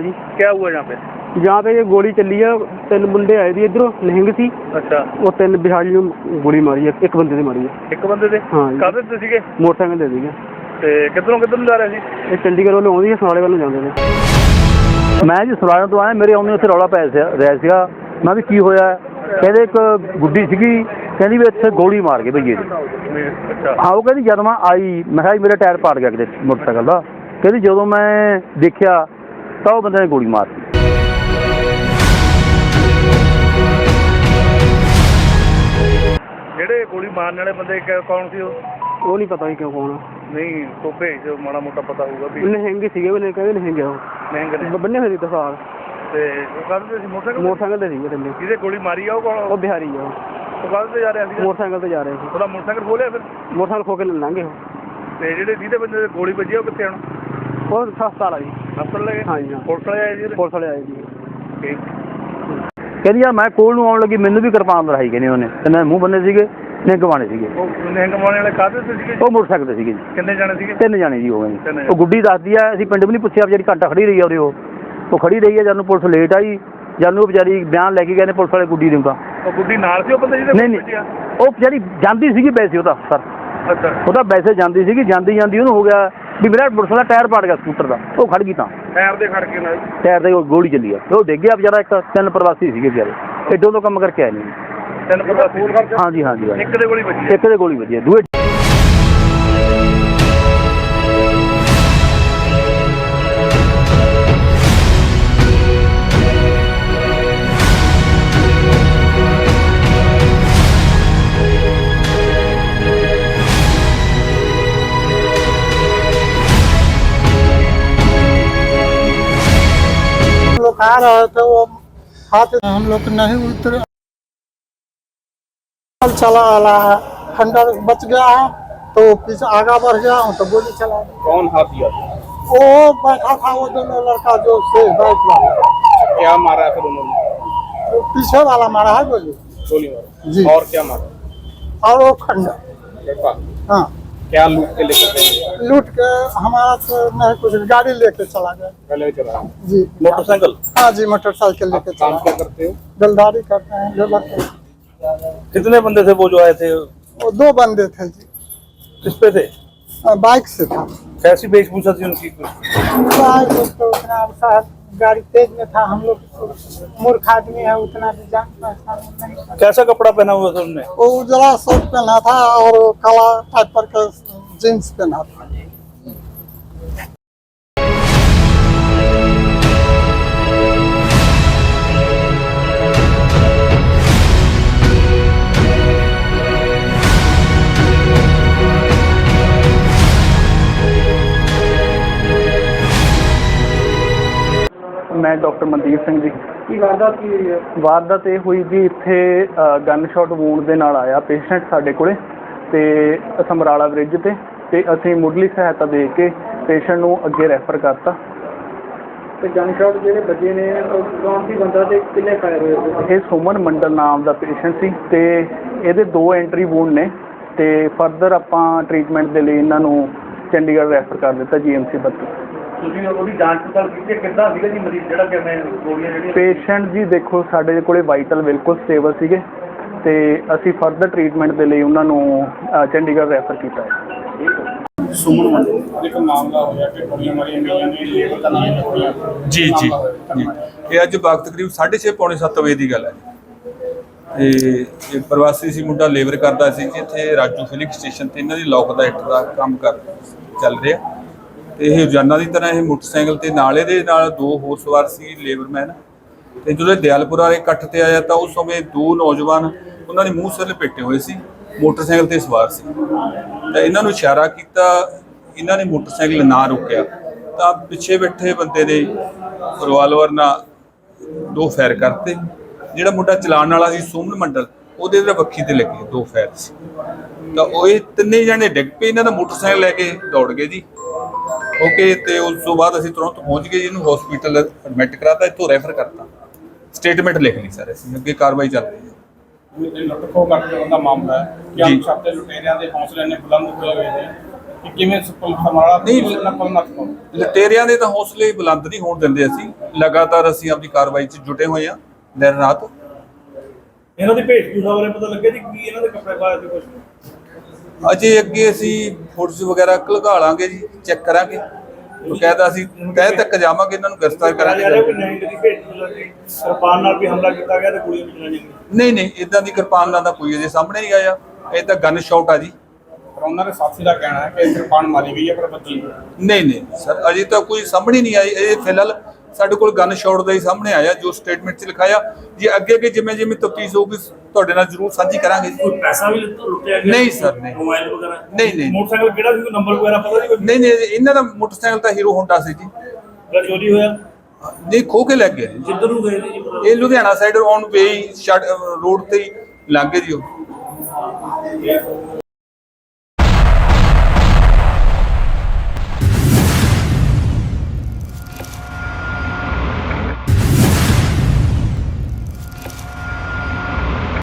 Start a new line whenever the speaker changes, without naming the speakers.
जी।
क्या हुआ यहाँ पे?
यहाँ पे ये गोली चली है, 3 मुंडे आए थे इधरों नहंग सी।
अच्छा।
वो 3 बिहारी ਨੂੰ गोली मारी है, एक बंदे ने मारी है।
एक बंदे ने?
हाँ।
काहदे ते सीगे?
मोटरसाइकिल ते सीगे।
ते किधरों किधर जा रहे सी?
ਇਹ ਚੰਡੀਗੜ੍ਹ ਵੱਲੋਂ ਆਉਂਦੀ ਹੈ, ਸਮਾਲੇ ਵੱਲੋਂ ਜਾਂਦੇ ਨੇ। ਮੈਂ ਜੀ ਸਮਾਲੇ ਤੋਂ ਆਇਆ, ਮੇਰੇ ਆਉਂਦੇ ਉੱਥੇ ਰੌਲਾ ਪੈ ਰਿਹਾ ਸੀਗਾ। ਮੈਂ ਵੀ ਕੀ ਹੋਇਆ, ਕਹਿੰਦੇ ਇੱਕ ਗੁੱਡੀ ਸੀਗੀ, ਕਹਿੰਦੀ ਵੀ ਇੱਥੇ ਗੋਲੀ ਮਾਰ ਗਏ ਭਈਏ ਜੀ।
अच्छा।
ਹਾਂ, ਉਹ ਕਹਿੰਦੀ ਜਦ ਮੈਂ ਆਈ ਮੈਂ ਕਿਹਾ ਮੇਰਾ ਟਾਇਰ ਪਾੜ ਗਿਆ ਕਿਤੇ ਮੋਟਰਸਾਈਕਲ ਦਾ। ਕਹਿੰਦੀ ਜਦੋਂ ਮੈਂ ਦੇਖਿਆ ਤਾਂ ਉਹ ਬੰਦੇ ਨੇ ਗੋਲੀ ਮਾਰਤੀ।
ਜਿਹੜੇ ਗੋਲੀ ਮਾਰਨ ਵਾਲੇ ਬੰਦੇ ਕੌਣ ਸੀ
ਉਹ ਨਹੀਂ ਪਤਾ ਕਿਉਂ ਕੌਣ ਆ।
ਨਹੀਂ ਤੋਂ ਭੇਜ ਦਿਓ, ਮਾੜਾ ਮੋਟਾ ਪਤਾ ਹੋਊਗਾ ਵੀ।
ਨਹਿੰਗੇ ਸੀਗੇ, ਉਹਨੇ ਕਹਿੰਦੇ ਨਹਿੰਗੇ ਉਹ
ਮਹਿੰਗੇ
ਬੰਨੇ ਹੋਏ ਸੀ ਤਸਾਰ
ਤੇ ਉਹ ਕਾਹਦੇ ਸੀ?
ਮੋਟਰਸਾਈਕਲ ਤੇ ਸੀਗੇ ਥੱਲੇ।
ਜਿਹਦੇ ਗੋਲੀ ਮਾਰੀ ਆ ਉਹ ਕੌਣ?
ਉਹ ਬਿਹਾਰੀ ਆ।
ਉਹ ਕਾਹਦੇ ਤੇ ਜਾ ਰਿਹਾ ਸੀ?
ਮੋਟਰਸਾਈਕਲ ਤੇ ਜਾ ਰਹੇ ਸੀ।
ਉਹਦਾ ਮੋਟਰਸਾਈਕਲ ਖੋਲਿਆ ਫਿਰ?
ਮੋਟਰਸਾਈਕਲ ਖੋ ਕੇ ਲੰਘੇ ਉਹ।
ਤੇ ਜਿਹੜੇ ਜਿਹਦੇ ਬੰਦੇ ਦੇ ਗੋਲੀ ਵੱਜੀ ਉਹ ਕਿੱਥੇ ਹੁਣ?
ਉਹ ਹਸਪਤਾਲ ਆ ਜੀ।
ਹਸਪਤਾਲ ਲੈ ਗਏ?
ਹਾਂ ਜੀ।
ਪੁਲਿਸ ਵਾਲੇ ਆਏ ਜੀ?
ਪੁਲਿਸ ਵਾਲੇ ਆਏ ਜੀ।
ਠੀਕ।
ਕਹਿੰਦੀ ਯਾਰ ਮੈਂ ਕੋਲ ਨੂੰ ਆਉਣ ਲੱਗੀ, ਮੈਨੂੰ ਵੀ ਕਿਰਪਾਨ ਲੜਾਈ ਕਹਿੰਦੇ ਉਹਨੇ, ਤੇ ਮੈਂ ਮੂੰਹ ਬੰਨੇ ਸੀਗੇ, ਨਿਹੰਗ ਪਾਉਣੇ ਸੀਗੇ।
ਉਹ ਨਿਹੰਗ ਪਾਉਣੇ ਵਾਲੇ ਕਾਹਦੇ ਤੇ ਸੀਗੇ?
ਉਹ ਮੋਟਰਸਾਈਕਲ ਤੇ ਸੀਗੇ ਜੀ।
ਕਿੰਨੇ ਜਾਣੇ ਸੀਗੇ?
3 ਜਾਣੇ ਜੀ ਹੋ ਗਏ ਜੀ। ਉਹ ਗੁੱਡੀ ਦੱਸਦੀ ਆ, ਅਸੀਂ ਪਿੰਡ ਵੀ ਨਹੀਂ ਪੁੱਛਿਆ, ਵਿਚਾਰੀ ਘੰਟਾ ਖੜੀ ਰਹੀ ਆ ਉਰੇ। ਉਹ ਖੜੀ ਰਹੀ ਆ, ਜਦ ਨੂੰ ਪੁਲਿਸ ਲੇਟ ਆਈ, ਜਦ ਨੂੰ ਵਿਚਾਰੀ ਬਿਆਨ ਲੈ ਕੇ ਗਏ ਨੇ ਪੁਲਿਸ ਵਾਲੇ ਗੁੱਡੀ ਨੂੰ। ਤਾਂ
ਉਹ ਗੁੱਡੀ ਨਾਲ ਸੀ ਉਹ ਬੰਦੇ ਜਿਹਦੇ?
ਨਹੀਂ, ਉਹ ਵਿਚਾਰੀ ਜਾਂਦੀ ਸੀਗੀ ਵੈਸੇ, ਉਹਦਾ ਸਰ
ਅੱਛਾ।
ਉਹਦਾ ਵੈਸੇ ਜਾਂਦੀ ਸੀਗੀ, ਜਾਂਦੀ ਉਹਨੂੰ ਹੋ ਗਿਆ ਵੀ ਮੇਰਾ ਮੋਟਰਸਾਈਕਲ ਦਾ ਟਾਇਰ ਪਾੜ ਗਿਆ ਸਕੂਟਰ ਦਾ। ਉਹ ਖੜ ਗਈ, ਤਾਂ
ਟਾਇਰ ਦੇ ਖੜ ਕੇ ਨਾਲ
ਟਾਇਰ ਦੇ ਗੋਲੀ ਚੱਲੀ ਆ, ਉਹ ਡਿੱਗ ਗਿਆ ਵਿਚਾਰਾ। 3 ਪ੍ਰਵਾਸੀ ਸੀਗੇ ਵਿਚਾਰੇ, ਐਡੋਂ ਤੋਂ ਕੰਮ ਕਰਕੇ ਆਏ ਨੇ।
3 ਪ੍ਰਵਾਸੀ?
ਹਾਂਜੀ ਹਾਂਜੀ।
ਇੱਕ ਦੇ ਗੋਲੀ ਵੱਜੀ?
ਇੱਕ ਦੇ ਗੋਲੀ ਵੱਜੀ, ਦੂਏ
आ रहा था वो हाथ हम लोग नहीं उतर चला आला है, खंडर बच गया है तो पीछे आगा बढ़ गया हूँ तो गोली चला।
कौन हाथी?
वो बैठा था वो दोनों लड़का जो से बाइक वाला।
क्या मारा फिर उन्होंने?
वो पीछे वाला मारा है गोली
मारा
जी।
और क्या मारा?
और वो खंडर। हाँ।
क्या लूट के लेकर गए?
लूट के हमारा तो नहीं कुछ, गाड़ी लेके चला गया।
पहले चला
जी।
मोटरसाइकिल?
हाँ जी, मोटरसाइकिल लेके चला।
काम क्या करते हो?
जलदारी करते हैं, लेबर के।
कितने बंदे थे वो जो आए थे?
वो 2 बंदे थे जी।
किस पे थे?
बाइक से था।
कैसी वेशभूषा थी उनकी?
तो उतना शायद गाड़ी तेज में था, हम लोग मूर्ख आदमी है, उतना भी जान पहचान नहीं।
कैसा कपड़ा पहना हुआ था उन्होंने?
वो उजला शर्ट पहना था और काला टाइप पर का जींस पहना था।
ਮੈਂ ਡਾਕਟਰ ਮਨਦੀਪ ਸਿੰਘ ਜੀ।
ਕੀ ਵਾਰਦਾਤ ਕੀ ਹੋਈ ਹੈ?
ਵਾਰਦਾਤ ਇਹ ਹੋਈ ਜੀ, ਇੱਥੇ ਗਨ ਸ਼ਾਟ ਵੂੰਡ ਦੇ ਨਾਲ ਆਇਆ ਪੇਸ਼ੈਂਟ ਸਾਡੇ ਕੋਲੇ, ਤੇ ਸਮਰਾਲਾ ਬ੍ਰਿਜ ਤੇ ਅਸੀਂ ਮੁੱਢਲੀ ਸਹਾਇਤਾ ਦੇ ਕੇ ਪੇਸ਼ੈਂਟ ਨੂੰ ਅੱਗੇ ਰੈਫਰ ਕਰਤਾ।
ਤੇ ਗਨ ਸ਼ਾਟ ਜਿਹੜੇ ਵੱਜੇ ਨੇ ਕੌਣ ਸੀ ਬੰਦਾ ਤੇ ਕਿੰਨੇ ਫਾਇਰ ਹੋਏ?
ਇਹ ਸੁਮਨ ਮੰਡਲ ਨਾਮ ਦਾ ਪੇਸ਼ੈਂਟ ਸੀ, ਤੇ ਇਹਦੇ 2 ਐਂਟਰੀ ਵੂੰਡ ਨੇ, ਤੇ ਫਰਦਰ ਆਪਾਂ ਟ੍ਰੀਟਮੈਂਟ ਦੇ ਲਈ ਇਹਨਾਂ ਨੂੰ ਚੰਡੀਗੜ੍ਹ ਰੈਫਰ ਕਰ ਦਿੱਤਾ GMC 32।
ਤੁਸੀਂ ਉਹਦੀ ਜਾਂਚ ਪੜਤਾਲ ਕੀਤੀ? ਕਿੱਦਾਂ ਸੀਗਾ ਜੀ ਮਰੀਜ਼ ਜਿਹੜਾ ਕਿ ਮੈਂ ਗੋਲੀਆਂ ਜਿਹੜੀਆਂ?
ਪੇਸ਼ੈਂਟ ਜੀ ਦੇਖੋ ਸਾਡੇ ਕੋਲੇ ਵਾਈਟਲ ਬਿਲਕੁਲ ਸਟੇਬਲ ਸੀਗੇ, ਤੇ ਅਸੀਂ ਫਰਦਰ ਟ੍ਰੀਟਮੈਂਟ ਦੇ ਲਈ ਉਹਨਾਂ ਨੂੰ ਚੰਡੀਗੜ੍ਹ ਰੈਫਰ ਕੀਤਾ ਹੈ।
ਸੁਮਨ ਮੰਡਲ ਇੱਕ ਮਾਮਲਾ ਹੋਇਆ ਕਿ ਗੋਲੀਆਂ ਮਾਰੀਆਂ ਗਈਆਂ ਨੇ, ਲੇਬਰ ਦਾ ਨਾਮ ਹੋਇਆ
ਜੀ। ਇਹ ਅੱਜ ਵਕਤ ਕਰੀਬ 6:30 ਪੌਣੇ 7 ਵਜੇ ਦੀ ਗੱਲ ਹੈ। ਇਹ ਪ੍ਰਵਾਸੀ ਸੀ ਮੁੰਡਾ, ਲੇਬਰ ਕਰਦਾ ਸੀ ਜੀ ਇੱਥੇ ਰਾਜੂ ਫਿਲਿੰਗ ਸਟੇਸ਼ਨ ਤੇ। ਇਹਨਾਂ ਦੀ ਲੋਕ ਦਾ ਇੱਟ ਦਾ ਕੰਮ ਚੱਲ ਰਿਹਾ, ਤੇ ਇਹ ਰੋਜ਼ਾਨਾ ਦੀ ਤਰ੍ਹਾਂ ਇਹ ਮੋਟਰਸਾਈਕਲ ਤੇ ਨਾਲ ਇਹਦੇ ਨਾਲ 2 ਹੋਰ ਸਵਾਰ ਸੀ ਲੇਬਰਮੈਨ। ਤੇ ਜਦੋਂ ਦਿਆਲਪੁਰ ਵਾਲੇ ਇਕੱਠ ਤੇ ਆਇਆ ਤਾਂ ਉਸ ਸਮੇਂ 2 ਨੌਜਵਾਨ ਉਹਨਾਂ ਨੇ ਮੂੰਹ ਸਿਰ ਲਪੇਟੇ ਹੋਏ ਸੀ, ਮੋਟਰਸਾਈਕਲ ਤੇ ਸਵਾਰ ਸੀ। ਤਾਂ ਇਹਨਾਂ ਨੂੰ ਇਸ਼ਾਰਾ ਕੀਤਾ, ਇਹਨਾਂ ਨੇ ਮੋਟਰਸਾਈਕਲ ਨਾ ਰੋਕਿਆ ਤਾਂ ਪਿੱਛੇ ਬੈਠੇ ਬੰਦੇ ਨੇ ਰਿਵਾਲਵਰ ਨਾਲ 2 ਫਾਇਰ ਕਰਤੇ। ਜਿਹੜਾ ਮੁੰਡਾ ਚਲਾਉਣ ਵਾਲਾ ਸੀ ਸੁਮਨ ਮੰਡਲ, ਉਹਦੇ ਵੱਖੀ ਤੇ ਲੱਗੇ 2 ਫਾਇਰ ਸੀ। ਤਾਂ ਉਹ ਇਹ 3 ਜਣੇ ਡਿੱਗ ਪਏ, ਇਹਨਾਂ ਦਾ ਮੋਟਰਸਾਈਕਲ ਲੈ ਕੇ ਦੌੜ ਗਏ ਜੀ। ਓਕੇ, ਤੇ ਉਸ ਤੋਂ ਬਾਅਦ ਅਸੀਂ ਤੁਰੰਤ ਪਹੁੰਚ ਗਏ ਜੀ, ਇਹਨੂੰ ਹਸਪੀਟਲ ਐਡਮਿਟ ਕਰਾਤਾ, ਇੱਥੋਂ ਰੈਫਰ ਕਰਤਾ, ਸਟੇਟਮੈਂਟ ਲਿਖ ਲਈ ਸਰ। ਅਸੀਂ ਅੱਗੇ ਕਾਰਵਾਈ ਚੱਲ ਰਹੀ ਹੈ।
ਲੁੱਟ ਖੋਹ ਕਰਨ ਦਾ ਮਾਮਲਾ ਹੈ ਕਿ ਅਣਪਛਾਤੇ ਲੁਟੇਰਿਆਂ ਦੇ ਹੌਸਲੇ ਨੇ ਬੁਲੰਦ ਹੋਏ ਹੋਏ ਨੇ ਕਿ ਕਿਵੇਂ ਸਮਰਾਲਾ
ਨਹੀਂ,
ਨਕਲ ਨਾ ਕਰੋ।
ਲਟੇਰਿਆਂ ਦੇ ਤਾਂ ਹੌਸਲੇ ਬੁਲੰਦ ਨਹੀਂ ਹੋਣ ਦਿੰਦੇ ਅਸੀਂ। ਲਗਾਤਾਰ ਅਸੀਂ ਆਪਣੀ ਕਾਰਵਾਈ 'ਚ ਜੁਟੇ ਹੋਏ ਹਾਂ ਦਿਨ ਰਾਤ।
ਇਹਨਾਂ ਦੀ ਭੇਜਪੂਰਾ ਬਾਰੇ ਪਤਾ ਲੱਗਿਆ ਜੀ ਕੀ ਇਹਨਾਂ ਦੇ ਕੱਪੜੇ ਪਾਏ ਤੇ ਕੁਝ
ਅਜੇ ਅੱਗੇ ਅਸੀਂ ਫੋਟੋਜ਼ ਵਗੈਰਾ ਘਲਗਾ ਲਾਂਗੇ ਜੀ, ਚੈੱਕ ਕਰਾਂਗੇ। ਬਕਾਇਦਾ ਅਸੀਂ ਤਹਿ ਤੱਕ ਜਾਵਾਂਗੇ, ਇਹਨਾਂ ਨੂੰ ਗ੍ਰਿਫਤਾਰ
ਜਾ ਰਿਹਾ
ਕਰਾਂਗੇ।
ਕੋਈ ਨਹੀਂ ਦੀ ਭੇਜਪੂਰਾ ਦੀ ਕਿਰਪਾਨ ਨਾਲ ਵੀ ਹਮਲਾ ਕੀਤਾ ਗਿਆ ਤੇ ਗੋਲੀਆਂ ਵੀ ਚਲਾਈਆਂ ਗਈਆਂ।
ਨਹੀਂ ਨਹੀਂ, ਇਦਾਂ ਦੀ ਕਿਰਪਾਨ ਦਾ ਕੋਈ ਅਜੇ ਸਾਹਮਣੇ ਨਹੀਂ ਆਇਆ। ਇਹ ਤਾਂ ਗਨ ਸ਼ਾਟ ਆ ਜੀ।
ਪਰ ਉਹਨਾਂ ਦੇ ਸਾਥੀ ਦਾ ਕਹਿਣਾ ਹੈ ਕਿ ਕਿਰਪਾਨ ਮਾਰੀ ਗਈ ਹੈ ਪਰ ਬੱਚੀ
ਨਹੀਂ ਨਹੀਂ ਸਰ, ਅਜੇ ਤਾਂ ਕੋਈ ਸਾਹਮਣੇ ਨਹੀਂ ਆਈ। ਇਹ ਫਿਲਹਾਲ ਸਾਡੇ ਕੋਲ ਗਨ ਸ਼ਾਟ ਦਾ ਹੀ ਸਾਹਮਣੇ ਆਇਆ ਜੋ ਸਟੇਟਮੈਂਟ 'ਚ ਲਿਖਾਇਆ। ਜੇ ਅੱਗੇ ਜਿਵੇਂ ਜਿਵੇਂ ਤਫਤੀਸ਼ ਹੋਊਗੀ ਤੁਹਾਡੇ ਨਾਲ ਜ਼ਰੂਰ ਸਾਂਝੀ ਕਰਾਂਗੇ ਜੀ।
ਕੋਈ ਪੈਸਾ ਵੀ ਲੁੱਟਿਆ ਗਿਆ?
ਨਹੀਂ ਸਰ, ਨਹੀਂ।
ਮੋਬਾਈਲ ਵਗੈਰਾ?
ਨਹੀਂ ਨਹੀਂ
ਮੋਟਰਸਾਈਕਲ ਕਿਹੜਾ ਸੀ, ਕੋਈ ਨੰਬਰ ਵਗੈਰਾ ਪਤਾ ਜੀ? ਕੋਈ
ਨਹੀਂ ਨਹੀਂ, ਇਹਨਾਂ ਦਾ ਮੋਟਰਸਾਈਕਲ ਤਾਂ ਹੀਰੋ ਹੋਂਡਾ ਸੀ ਜੀ।
ਜਿਹੜਾ ਚੋਰੀ ਹੋਇਆ
ਨਹੀਂ, ਖੋ ਕੇ ਲੈ ਗਏ ਜੀ।
ਜਿੱਧਰ ਨੂੰ ਗਏ ਸੀ ਜੀ?
ਇਹ Ludhiana side on way road ਤੇ ਹੀ ਲੰਘ ਗਏ ਜੀ ਉਹ।